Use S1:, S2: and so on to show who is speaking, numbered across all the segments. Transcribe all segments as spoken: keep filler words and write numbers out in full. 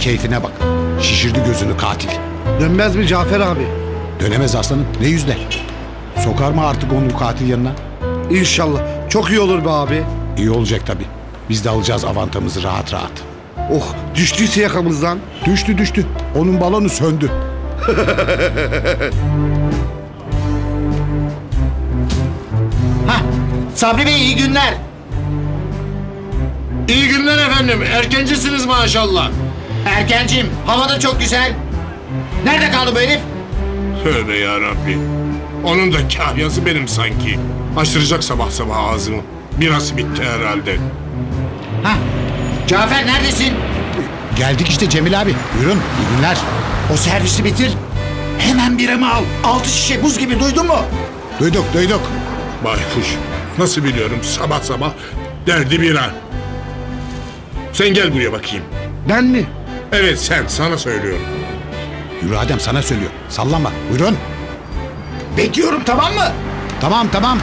S1: keyfine bak. Şişirdi gözünü katil.
S2: Dönmez mi Cafer abi?
S1: Dönemez aslanım. Ne yüzler? Sokar mı artık onu katil yanına?
S2: İnşallah. Çok iyi olur be abi.
S1: İyi olacak tabii. Biz de alacağız avantamızı rahat rahat.
S2: Oh, düştüyse yakamızdan.
S1: Düştü düştü. Onun balonu söndü.
S3: Hah, Sabri Bey iyi günler.
S4: İyi günler efendim. Erkencisiniz maşallah.
S3: Erkencim, hava da çok güzel. Nerede kaldı bu herif?
S4: Tövbe yarabbi. Onun da kahyası benim sanki. Açtıracak sabah sabah ağzımı. Biraz bitti herhalde.
S3: Hah, Cafer neredesin?
S1: Geldik işte Cemil abi. Buyurun. İyi günler.
S3: O servisi bitir. Hemen biramı al. Altı şişe buz gibi, duydun mu?
S1: Duyduk duyduk.
S4: Baykuş. Nasıl biliyorum sabah sabah derdi bira. Sen gel buraya bakayım.
S2: Ben mi?
S4: Evet sen, sana söylüyorum.
S1: Yürü Adem sana söylüyor. Sallanma. Buyurun.
S3: Bekliyorum, tamam mı?
S1: Tamam tamam.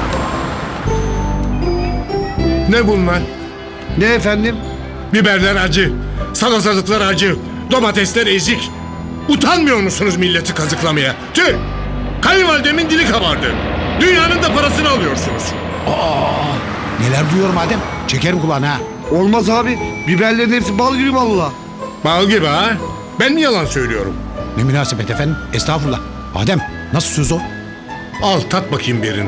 S4: Ne bunlar?
S2: Ne efendim?
S4: Biberler acı, salatalıklar acı, domatesler ezik. Utanmıyor musunuz milleti kazıklamaya? Tüh! Kayınvalidemin dili kabardı. Dünyanın da parasını alıyorsunuz.
S1: Neler duyuyorum Adem. Çekerim kulağına ha.
S2: Olmaz abi. Biberlerin hepsi bal gibi valla.
S4: Bal gibi ha? Ben mi yalan söylüyorum?
S1: Ne münasebet efendim. Estağfurullah. Adem nasıl söz o?
S4: Al tat bakayım birini.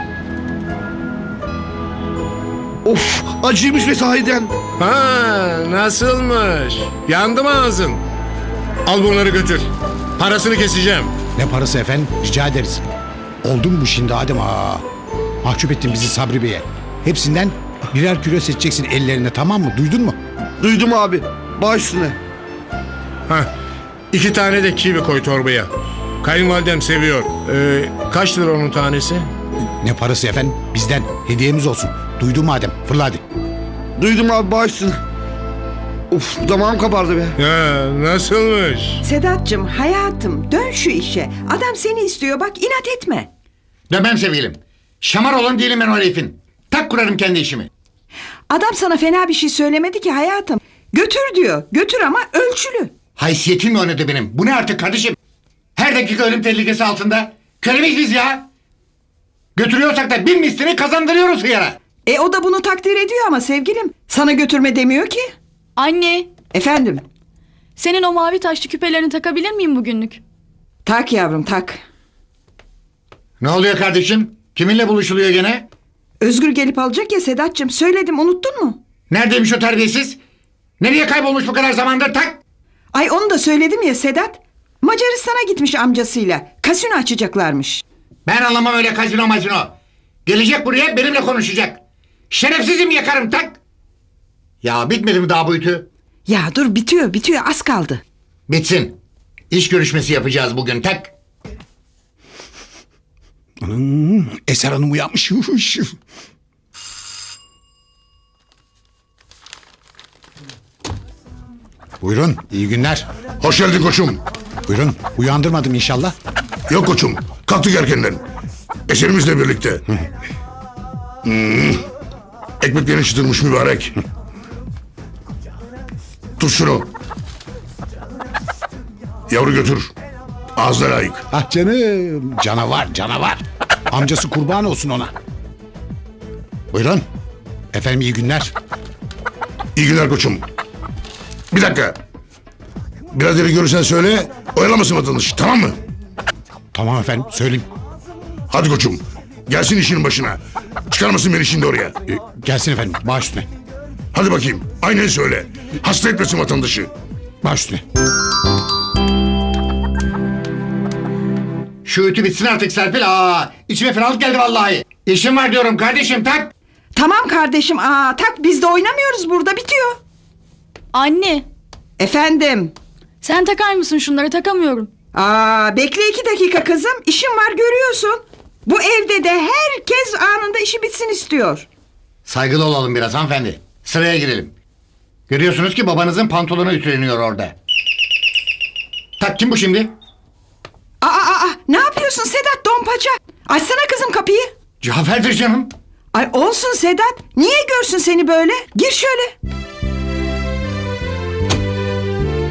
S2: Of, acıymış ve sahiden.
S4: Ha, nasılmış? Yandı mı ağzın? Al bunları götür. Parasını keseceğim.
S1: Ne parası efendim? Rica ederiz. Oldu mu bu şimdi Adem? Aa, mahcup ettin bizi Sabri Bey'e. Hepsinden birer kilo seçeceksin ellerine, tamam mı? Duydun mu?
S2: Duydum abi. Baş üstüne.
S4: Ha, iki tane de kivi koy torbaya. Kayınvalidem seviyor. Ee, kaç lira onun tanesi?
S1: Ne parası efendim? Bizden. Hediyemiz olsun. Duydun mu Adem? Fırla hadi.
S2: Duydum abi, baş üstüne. Of, damağım kabardı be.
S4: Ya nasılmış?
S5: Sedat'cığım hayatım dön şu işe. Adam seni istiyor bak, inat etme.
S3: Dönmem sevgilim. Şamar olan değilim ben o herifin. Tak kurarım kendi işimi.
S5: Adam sana fena bir şey söylemedi ki hayatım. Götür diyor. Götür ama ölçülü.
S3: Haysiyetim mi oynadı benim? Bu ne artık kardeşim? Her dakika ölüm tehlikesi altında. Kölemeyiz biz ya. Götürüyorsak da bin mislini kazandırıyoruz hıyara.
S5: E o da bunu takdir ediyor ama sevgilim. Sana götürme demiyor ki.
S6: Anne,
S5: Efendim?
S6: senin o mavi taşlı küpelerini takabilir miyim bugünlük?
S5: Tak yavrum tak.
S3: Ne oluyor kardeşim? Kiminle buluşuluyor gene?
S5: Özgür gelip alacak ya Sedat'cığım. Söyledim, unuttun mu?
S3: Neredeymiş o terbiyesiz? Nereye kaybolmuş bu kadar zamandır, tak?
S5: Ay onu da söyledim ya Sedat. Macaristan'a gitmiş amcasıyla. Kasino açacaklarmış.
S3: Ben anlamam öyle kazino mazino. Gelecek buraya benimle konuşacak. Şerefsizim, yakarım, tak. Ya bitmedi mi daha bu ütü?
S5: Ya dur, bitiyor bitiyor, az kaldı.
S3: Bitsin. İş görüşmesi yapacağız bugün, tak.
S1: Hmm, Eser Hanım uyanmış. Buyurun. İyi günler.
S7: Hoş geldin koçum.
S1: Buyurun. Uyandırmadım inşallah.
S7: Yok koçum. Kalktık erkenden. Eserimizle birlikte. Hmm. Ekmeklerini çıtırmış mübarek. Tut şunu. Yavru götür. Ağzına layık.
S1: Ah canım. Canavar canavar. Amcası kurban olsun ona. Buyurun. Efendim iyi günler.
S7: İyi günler koçum. Bir dakika. Biraderi görürsen söyle. Oyalamasın vatandaşı, tamam mı?
S1: Tamam efendim söyleyeyim.
S7: Hadi koçum. Gelsin işinin başına. Çıkarmasın beni şimdi oraya.
S1: Ee, gelsin efendim baş üstüne.
S7: Hadi bakayım. Aynen söyle. Hasta etmesin vatandaşı.
S1: Baş üstüne.
S3: Şu ütü bitsin artık Serpil. Aa, içime fenalık geldi vallahi. İşim var diyorum kardeşim, tak.
S5: Tamam kardeşim, aa tak, biz de oynamıyoruz burada, bitiyor.
S6: Anne,
S5: Efendim?
S6: sen takar mısın şunları? Takamıyorum.
S5: Aa bekle iki dakika kızım, işim var görüyorsun. Bu evde de herkes anında işi bitsin istiyor.
S3: Saygılı olalım biraz hanımefendi. Sıraya girelim. Görüyorsunuz ki babanızın pantolonu ütüleniyor orada. Tak, kim bu şimdi?
S5: Aa, aa, aa, ne yapıyorsun Sedat Dompaça? Açsana kızım kapıyı.
S3: Cafer'dir canım.
S5: Ay olsun Sedat, niye görsün seni böyle? Gir şöyle.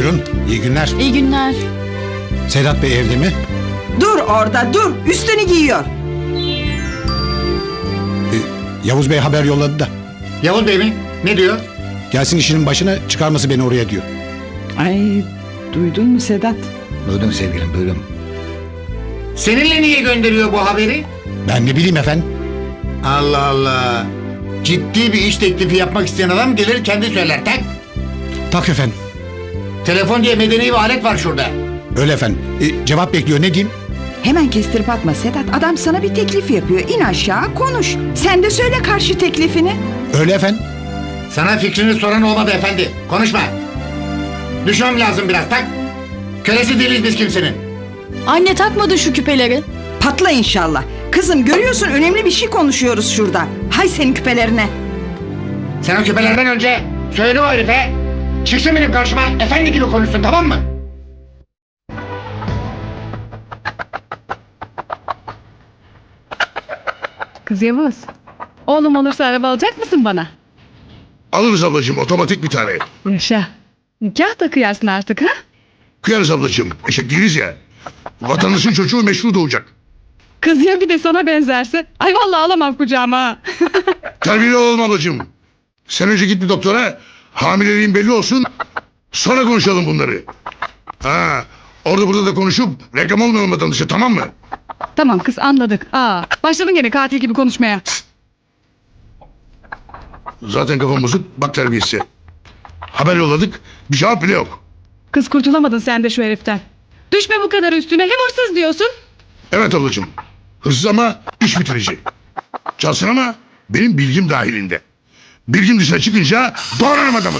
S1: Buyurun, iyi günler.
S6: İyi günler.
S1: Sedat Bey evde mi?
S5: Dur orada dur. Üstünü giyiyor.
S1: Ee, Yavuz Bey haber yolladı da.
S3: Yavuz Bey mi? Ne diyor?
S1: Gelsin işinin başına, çıkarması beni oraya diyor.
S5: Ay duydun mu Sedat?
S3: Duydum sevgilim duydum. Seninle niye gönderiyor bu haberi?
S1: Ben ne bileyim efendim.
S3: Allah Allah. Ciddi bir iş teklifi yapmak isteyen adam gelir kendi söyler tak.
S1: Tak efendim.
S3: Telefon diye medeni bir alet var şurada.
S1: Öyle efendim. Ee, cevap bekliyor, ne diyeyim?
S5: Hemen kestirip atma Sedat. Adam sana bir teklif yapıyor. İn aşağı konuş. Sen de söyle karşı teklifini.
S1: Öyle efendim.
S3: Sana fikrini soran olmadı efendi. Konuşma. Düşmem lazım biraz tak. Kölesi değiliz biz kimsenin.
S6: Anne takmadın şu küpeleri.
S5: Patla inşallah. Kızım görüyorsun önemli bir şey konuşuyoruz şurada. Hay senin küpelerine.
S3: Sen o küpelerden önce söyle o herife. Çıksın benim karşıma efendi gibi konuşsun tamam mı?
S8: Kız Yavuz. Oğlum olursa araba alacak mısın bana?
S7: Alırız ablacığım otomatik bir tane.
S8: Yaşa. Nikah da kıyarsın artık ha?
S7: Kıyarız ablacığım. Eşek değiliz ya. Vatandaşın çocuğu meşru doğacak.
S8: Kız ya bir de sana benzerse. Ay vallahi alamam kucağıma ha.
S7: Terbiyeli olalım ablacığım. Sen önce git bir doktora. Hamileliğin belli olsun. Sonra konuşalım bunları. Ha, orada burada da konuşup reklam olmayalım vatandaşa, tamam mı?
S8: Tamam kız anladık. Aa, başladın gene katil gibi konuşmaya.
S7: Zaten kafam bozuk. Bak terbiyesi. Haber yolladık. Bir cevap bile yok.
S8: Kız kurtulamadın sen de şu heriften. Düşme bu kadar üstüne. Hem hırsız diyorsun.
S7: Evet ablacığım. Hırsız ama iş bitirici. Çalsın ama benim bilgim dahilinde. Bilgim dışına çıkınca doğrarım adamı.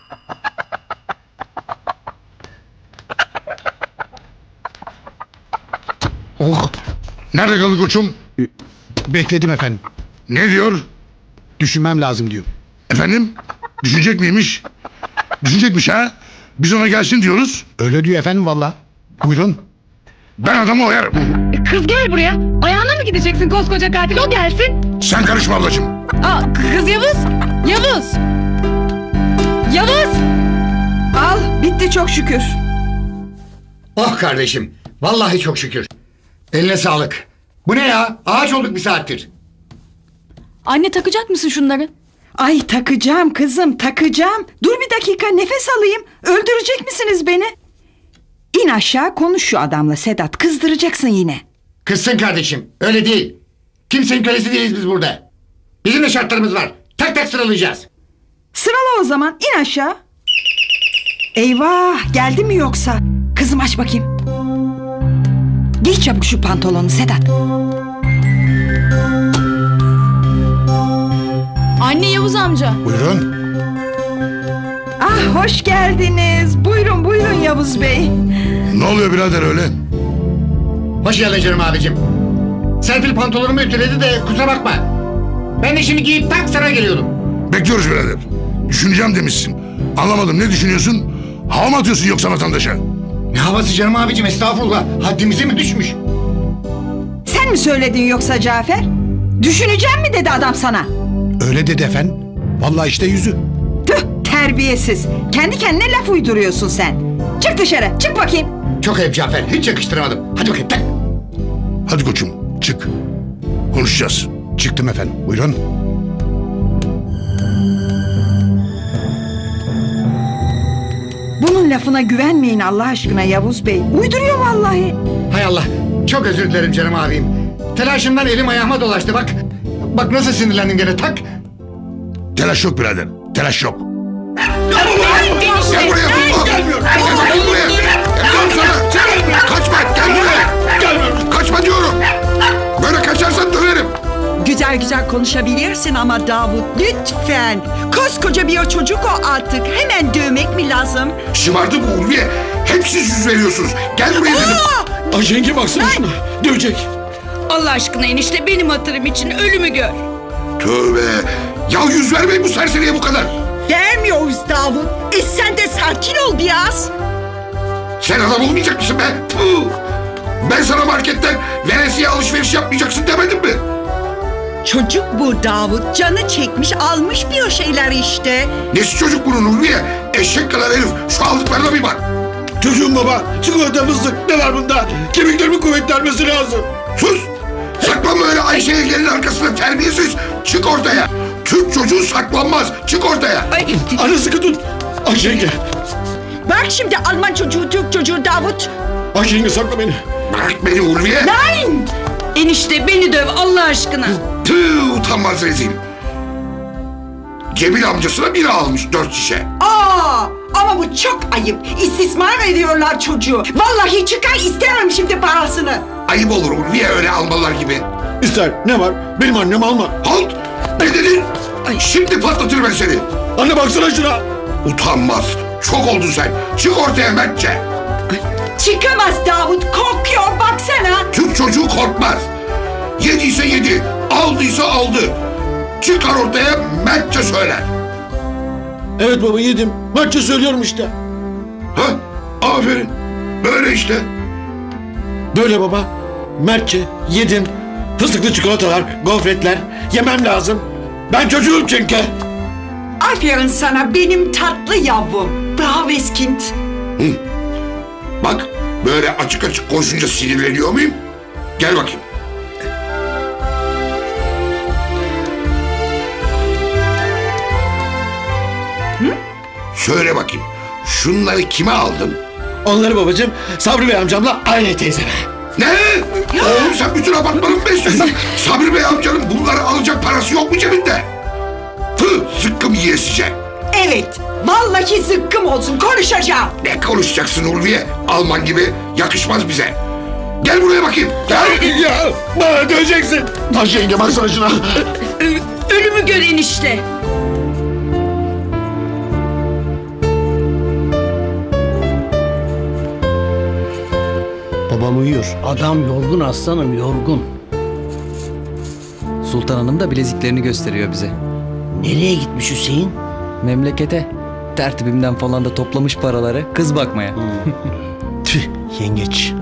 S1: Oh.
S7: Nerede kaldı koçum?
S1: Bekledim efendim.
S7: Ne diyor?
S1: Düşünmem lazım diyor.
S7: Efendim? Düşünecek miymiş? Düşünecekmiş ha? Biz ona gelsin diyoruz.
S1: Öyle diyor efendim valla. Buyurun.
S7: Ben adamı oyarım.
S8: E, kız gel buraya. Ayağına mı gideceksin koskoca katil? O gelsin.
S7: Sen karışma ablacığım.
S8: Aa, kız Yavuz. Yavuz. Yavuz.
S5: Al bitti çok şükür.
S3: Oh kardeşim. Vallahi çok şükür. Eline sağlık. Bu ne ya? Ağaç olduk bir saattir.
S6: Anne takacak mısın şunları?
S5: Ay takacağım kızım takacağım. Dur bir dakika nefes alayım. Öldürecek misiniz beni? İn aşağı konuş şu adamla Sedat. Kızdıracaksın yine.
S3: Kızsın kardeşim. Öyle değil. Kimsenin kölesi değiliz biz burada. Bizim de şartlarımız var. Tak tak sıralayacağız.
S5: Sırala o zaman in aşağı. Eyvah geldi mi yoksa? Kızım aç bakayım. Giy çabuk şu pantolonu Sedat.
S6: Anne Yavuz amca.
S1: Buyurun.
S5: Ah hoş geldiniz. Buyurun buyurun Yavuz Bey.
S7: Ne oluyor birader öyle?
S3: Hoş geldin canım abicim. Serpil pantolonumu ütüledi de kusura bakma. Ben de şimdi giyip tak sana geliyordum.
S7: Bekliyoruz birader. Düşüneceğim demişsin. Anlamadım, ne düşünüyorsun? Hava mı atıyorsun yoksa vatandaşa?
S3: Ne havası canım abicim, estağfurullah. Haddimize mi düşmüş?
S5: Sen mi söyledin yoksa Cafer? Düşüneceğim mi dedi adam sana?
S1: Öyle dedi efendim. Vallahi işte yüzü.
S5: Tüh terbiyesiz. Kendi kendine laf uyduruyorsun sen. Çık dışarı çık bakayım.
S3: Çok ayıp Cafer, hiç yakıştıramadım. Hadi bakayım tak.
S7: Hadi koçum, çık. Konuşacağız.
S1: Çıktım efendim. Buyurun.
S5: Bunun lafına güvenmeyin Allah aşkına Yavuz Bey. Uyduruyor vallahi.
S3: Hay Allah, çok özür dilerim canım abim. Telaşımdan elim ayağıma dolaştı bak. Bak nasıl sinirlendim gene tak.
S7: Telaş yok birader, telaş yok. Gel buraya, Funda! Gel buraya! Gel sana! Kaçma, gel buraya! Kaçma diyorum! Böyle kaçarsan döverim!
S9: Güzel güzel konuşabilirsin ama Davut lütfen. Koskoca bir çocuk o artık. Hemen dövmek mi lazım?
S7: Şımardı bu Ulviye. Hep siz yüz veriyorsunuz. Gel buraya dedim.
S10: Ay yenge baksana şuna. Dövecek.
S9: Allah aşkına enişte benim hatırım için ölümü gör.
S7: Tövbe. Ya yüz vermeyin bu serseriye bu kadar.
S9: Vermiyoruz Davut. E sen de sakin ol biraz.
S7: Sen adam olmayacak mısın be? Puh. Ben sana marketten veresiye alışveriş yapmayacaksın demedim mi?
S9: Çocuk bu Davut. Canı çekmiş almış bir o şeyler işte.
S7: Nesi çocuk bunun Ulviye? Eşek kadar herif. Şu aldıklarına bir bak.
S10: Çocuğum baba. Çikolata fıstık. Ne var bunda? Kemiklerimin kuvvetlenmesi lazım.
S7: Sus! Saklanma öyle Ayşe'ye gelin arkasında terbiyesiz. Çık ortaya. Türk çocuğu saklanmaz. Çık ortaya.
S9: Ay,
S10: Anne sıkı tut. Ayşe yenge.
S9: bak şimdi Alman çocuğu, Türk çocuğu Davut.
S10: Ayşe yenge sakla beni.
S7: Bırak beni Ulviye.
S9: Nein! Enişte beni döv Allah aşkına.
S7: Tüh utanmaz rezil. Cemil amcasına biri almış dört şişe.
S5: Aa, ama bu çok ayıp. İstismar ediyorlar çocuğu. Vallahi çıkar istemem şimdi parasını.
S7: Ayıp olur Ulviye öyle almalar gibi.
S10: İster. Ne var? Benim annem alma.
S7: Halt! Ne dedin? Şimdi patlatırım ben seni.
S10: Anne baksana şuna.
S7: Utanmaz. Çok oldun sen. Çık ortaya Mertçe.
S5: Çıkamaz Davut, korkuyor baksana.
S7: Türk çocuğu korkmaz. Yediyse yedi, aldıysa aldı. Çıkar ortaya Mertçe söyler.
S10: Evet baba yedim. Mertçe söylüyorum işte.
S7: Ha? Aferin. Böyle işte.
S10: Böyle baba. Mertçe yedim. Fıstıklı çikolatalar, gofretler. Yemem lazım. Ben çocuğum çünkü.
S5: Aferin sana benim tatlı yavrum. Bravo Eskind.
S7: Hı. Bak böyle açık açık konuşunca sinirleniyor muyum? Gel bakayım. Hı? Söyle bakayım. Şunları kime aldın?
S10: Onları babacığım Sabri Bey amcamla aynı teyzeme.
S7: Ne? Oğlum sen bütün apartmanı mı besliyorsun? Sabri Bey amcanın bunları alacak parası yok mu cebinde? Tüh zıkkım yiyesice.
S5: Evet, vallahi zıkkım olsun konuşacağım.
S7: Ne konuşacaksın Ulviye? Alman gibi yakışmaz bize. Gel buraya bakayım. Gel.
S10: Ya bana döveceksin. Ayşe yenge baksana şuna.
S9: Ölümü gör enişte.
S11: Babam uyuyor. Adam yorgun aslanım yorgun.
S12: Sultan Hanım da bileziklerini gösteriyor bize.
S11: Nereye gitmiş Hüseyin?
S12: Memlekete. Tertibimden falan da toplamış paraları kız bakmaya.
S11: Tüh yengeç.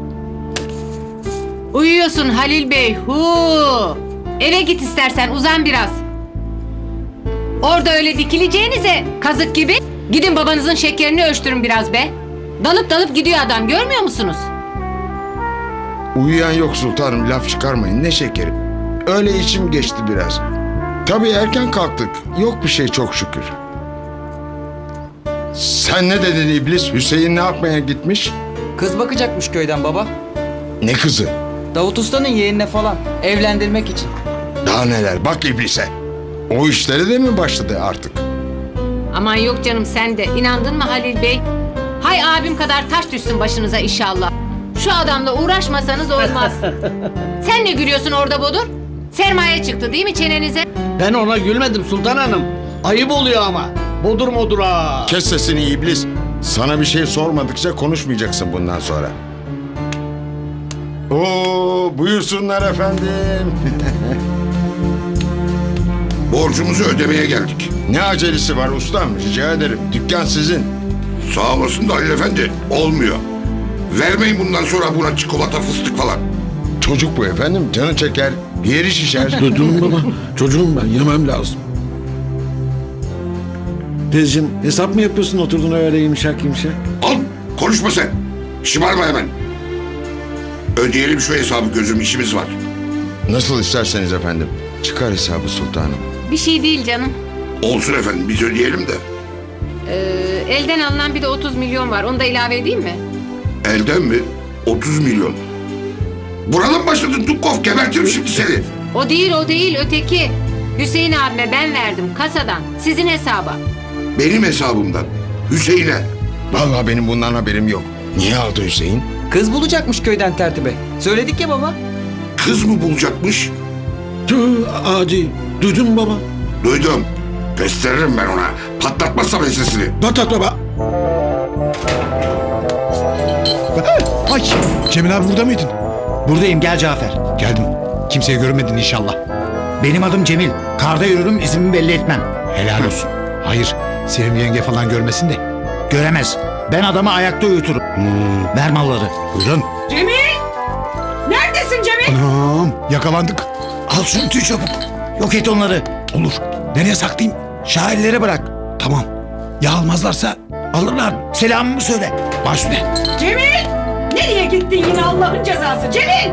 S13: Uyuyorsun Halil Bey. Hu. Eve git istersen uzan biraz. Orada öyle dikileceğinize kazık gibi gidin babanızın şekerini ölçtürün biraz be. Dalıp dalıp gidiyor adam görmüyor musunuz?
S7: Uyuyan yok sultanım laf çıkarmayın ne şekeri. Öyle içim geçti biraz. Tabii erken kalktık. Yok bir şey çok şükür. Sen ne dedin iblis? Hüseyin ne yapmaya gitmiş?
S12: Kız bakacakmış köyden baba.
S7: Ne kızı?
S12: Davut Usta'nın yeğenine falan. Evlendirmek için.
S7: Daha neler bak iblise. O işlere de mi başladı artık?
S13: Aman yok canım sen de inandın mı Halil Bey? Hay abim kadar taş düşsün başınıza inşallah. Şu adamla uğraşmasanız olmaz. Sen ne gülüyorsun orada Bodur? Sermaye çıktı değil mi çenenize?
S11: Ben ona gülmedim Sultan Hanım. Ayıp oluyor ama. Bodur modur ha.
S7: Kes sesini iblis. Sana bir şey sormadıkça konuşmayacaksın bundan sonra. Oo, buyursunlar efendim. Borcumuzu ödemeye geldik. Ne acelesi var ustam? Rica ederim. Dükkan sizin. Sağ olasın da Halil Efendi. Olmuyor. Vermeyin bundan sonra buna çikolata fıstık falan. Çocuk bu efendim. Canı çeker. Yeri şişer.
S10: Çocuğum baba. Çocuğum ben. Yemem lazım. Teyzeciğim hesap mı yapıyorsun oturdun öyle yumuşak yumuşak?
S7: Al. Konuşma sen. Şımarma hemen. Ödeyelim şu hesabı gözüm işimiz var. Nasıl isterseniz efendim. Çıkar hesabı sultanım.
S13: Bir şey değil canım.
S7: Olsun efendim biz ödeyelim de.
S13: Ee, elden alınan bir de otuz milyon var. Onu da ilave edeyim mi?
S7: Elden mi? otuz milyon. Buradan başladın Dukov gebertirim şimdi seni.
S13: O değil o değil öteki. Hüseyin abime ben verdim kasadan. Sizin hesaba.
S7: Benim hesabımdan. Hüseyin'e. Vallahi benim bundan haberim yok. Niye aldı Hüseyin?
S12: Kız bulacakmış köyden tertibe. Söyledik ya baba.
S7: Kız mı bulacakmış?
S10: Tüh adi. Duydun mu baba?
S7: Duydum. Gösteririm ben ona. Patlatmazsam ensesini.
S10: Patlat baba.
S1: Ay Cemil abi burada mıydın?
S3: Buradayım gel Cafer.
S1: Geldim. Kimseyi görmedin inşallah.
S3: Benim adım Cemil. Karda yürürüm izimi belli etmem.
S1: Helal olsun. Hayır Sevim yenge falan görmesin de.
S3: Göremez. Ben adamı ayakta uyuturum.
S1: Hmm.
S3: Ver malları.
S1: Buyurun.
S5: Cemil! Neredesin Cemil?
S1: Anam yakalandık.
S10: Al şu ütüyü çabuk. Yok et onları.
S1: Olur. Nereye saklayayım?
S10: Şairlere bırak.
S1: Tamam. Ya almazlarsa?
S10: Alırlar. Selamımı söyle.
S1: Baş üstüne.
S9: Cemil! Nereye gittin yine Allah'ın cezası? Cemil!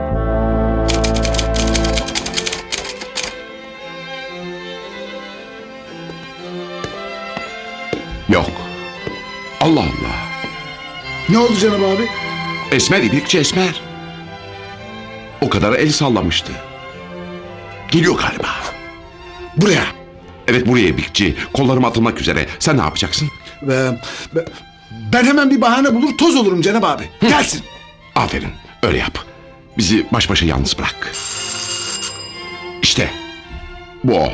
S7: Yok. Allah Allah.
S2: Ne oldu Cenab abi?
S7: Esmer İbrikçi Esmer. O kadar el sallamıştı. Geliyor galiba.
S2: Buraya.
S7: Evet buraya İbrikçi. Kollarım atılmak üzere. Sen ne yapacaksın?
S2: Ve, ve- ben hemen bir bahane bulur toz olurum Cenab abi. Gelsin.
S7: Aferin. Öyle yap. Bizi baş başa yalnız bırak. İşte. Bu o.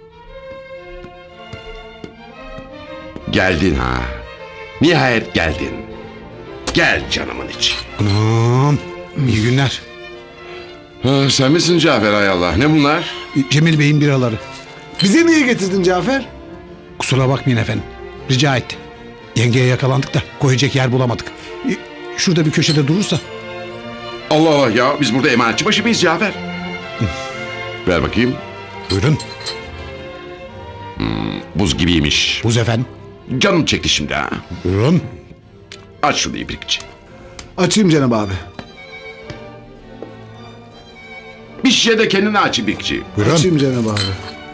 S7: Geldin ha. Nihayet geldin. Gel canımın içi.
S1: Anam. İyi günler.
S7: Ha, sen misin Cafer hay Allah? Ne bunlar?
S1: Cemil Bey'in biraları.
S2: Bize niye getirdin Cafer?
S1: Kusura bakmayın efendim. Rica etti. Yengeye yakalandık da koyacak yer bulamadık. E, Şurada bir köşede durursa.
S7: Allah Allah ya biz burada emanetçi başı mıyız Cafer? Ver bakayım.
S1: Buyurun.
S7: Buz gibiymiş.
S1: Buz efendim.
S7: Canım çekti şimdi ha.
S1: Buyurun.
S7: Aç şunu İbrikçi.
S2: Açayım Cenab abi.
S7: Bir şişe de kendine aç İbrikçi.
S1: Buyurun.
S2: Açayım Cenab abi.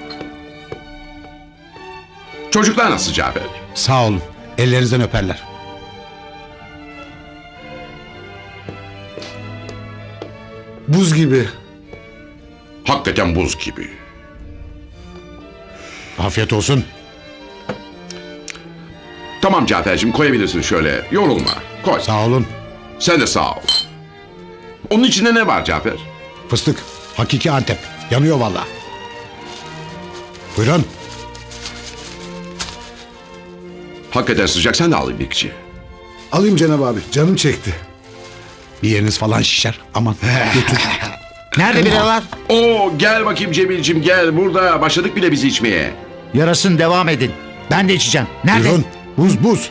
S7: Çocuklar nasıl Cafer?
S1: Sağ olun. Ellerinizden öperler.
S2: Buz gibi.
S7: Hakikaten buz gibi.
S1: Afiyet olsun.
S7: Tamam Cafer'cim koyabilirsin şöyle. Yorulma. Koy.
S1: Sağ olun.
S7: Sen de sağ ol. Onun içinde ne var Cafer?
S1: Fıstık. Hakiki Antep. Yanıyor valla. Buyurun.
S7: Hakikaten sıcak sen de al İbrikçi.
S2: Alayım Cenab abi. Canım çekti.
S1: Bir yeriniz falan şişer. Aman götür.
S10: Nerede biralar?
S7: Oo gel bakayım Cemil'cim gel burada. Başladık bile bizi içmeye.
S10: Yarasın devam edin. Ben de içeceğim. Nerede?
S1: Buyurun. Buz buz.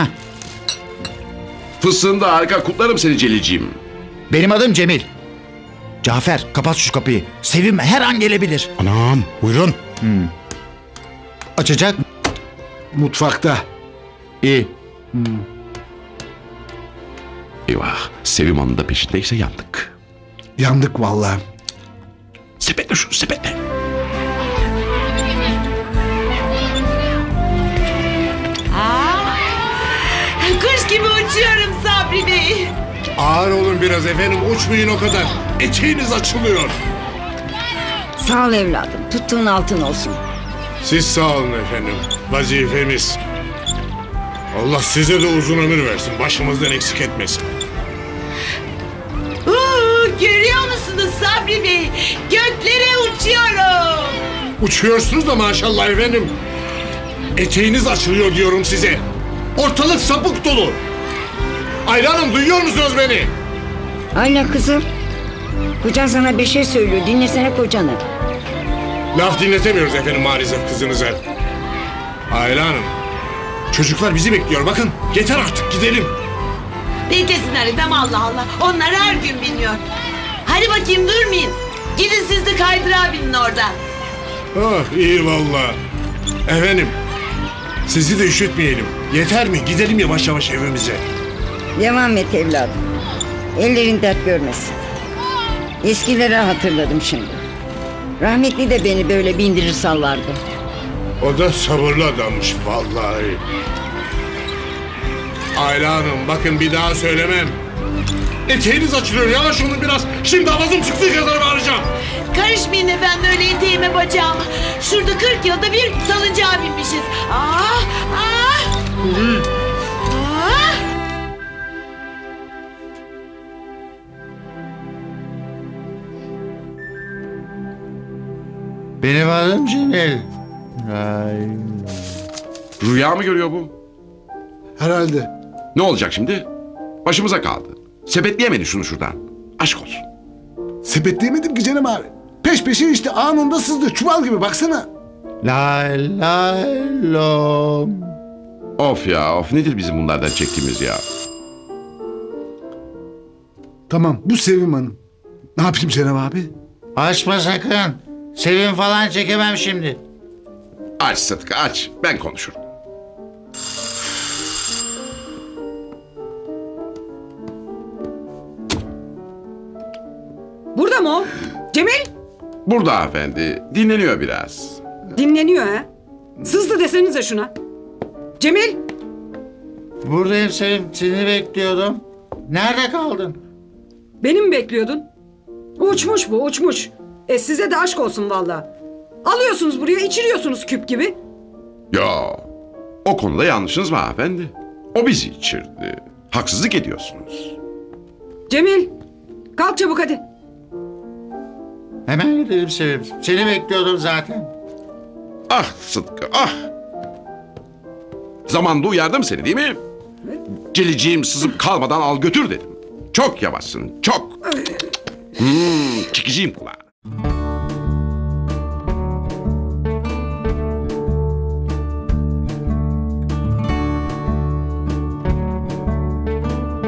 S7: Fıstığını da harika kutlarım seni Celil'ciğim.
S10: Benim adım Cemil. Cafer kapat şu kapıyı. Sevim her an gelebilir.
S1: Anam buyurun.
S10: Açacak.
S2: Mutfakta.
S10: İyi.
S7: Eyvah Sevim Hanım da peşindeyse yandık.
S2: Yandık vallahi.
S7: Sepetle şunu sepetle.
S9: Kuş gibi uçuyorum Sabri Bey.
S4: Ağır olun biraz efendim uçmayın o kadar. Eteğiniz açılıyor.
S14: Sağ ol evladım. Tuttuğun altın olsun.
S4: Siz sağ olun efendim. Vazifemiz. Allah size de uzun ömür versin. Başımızdan eksik etmesin.
S9: Uuu, görüyor musunuz Sabri Bey? Göklere uçuyorum.
S4: Uçuyorsunuz da maşallah efendim. Eteğiniz açılıyor diyorum size. Ortalık sapık dolu. Ayla Hanım duyuyor musunuz beni?
S14: Ayla kızım. Kocan sana bir şey söylüyor. Dinlesene kocanı.
S4: Laf dinletemiyoruz efendim maalesef kızınıza. Ayla Hanım. Çocuklar bizi bekliyor bakın. Yeter artık gidelim.
S9: Beklesinler efendim Allah Allah. Onlar her gün biniyor. Hadi bakayım durmayın. Gidin siz de kaydırağa binin orada.
S4: Ah iyi valla. Efendim. Sizi de üşütmeyelim. Yeter mi? Gidelim yavaş yavaş evimize.
S14: Devam et evladım. Ellerin dert görmesin. Eskileri hatırladım şimdi. Rahmetli de beni böyle bindirir sallardı.
S4: O da sabırlı adammış vallahi. Ayla Hanım bakın bir daha söylemem. Eteğiniz açılıyor yavaş olun biraz. Şimdi avazım çıktığı kadar bağıracağım.
S9: Karışmayın efendim öyle eteğime bacağıma. Şurada kırk yılda bir salıncağa binmişiz. Ah ah. Ah.
S10: Benim adım Cemil.
S7: Rüya mı görüyor bu?
S2: Herhalde.
S7: Ne olacak şimdi? Başımıza kaldı. Sepetleyemedin şunu şuradan. Aşk olsun.
S2: Sepetleyemedim ki Cenab abi. Peş peşe işte anında sızdı. Çuval gibi baksana.
S10: Lay lay lom.
S7: Of ya of nedir bizim bunlardan çektiğimiz ya?
S2: Tamam bu Sevim Hanım. Ne yapayım Cenab abi?
S3: Açma sakın. Sevim falan çekemem şimdi.
S7: Aç Sıtkı aç. Ben konuşurum.
S15: Burada mı o? Cemil
S7: Burada hanımefendi. Dinleniyor biraz.
S15: dinleniyor ha. Sızdı desenize şuna. Cemil
S3: Buradayım Sevim. Seni bekliyordum. Nerede kaldın?
S15: beni mi bekliyordun? Uçmuş bu uçmuş. E size de aşk olsun valla. Alıyorsunuz buraya içiriyorsunuz küp gibi.
S7: Ya o konuda yanlışınız mı hanımefendi? O bizi içirdi. Haksızlık ediyorsunuz.
S15: Cemil kalk çabuk hadi.
S3: Hemen gidelim Sevim. Seni bekliyordum zaten.
S7: Ah Sıtkı ah. Zamanında uyardım seni değil mi? Geleceğim sızıp kalmadan al götür dedim. Çok yavaşsın çok. Hmm, çekeceğim kulağı.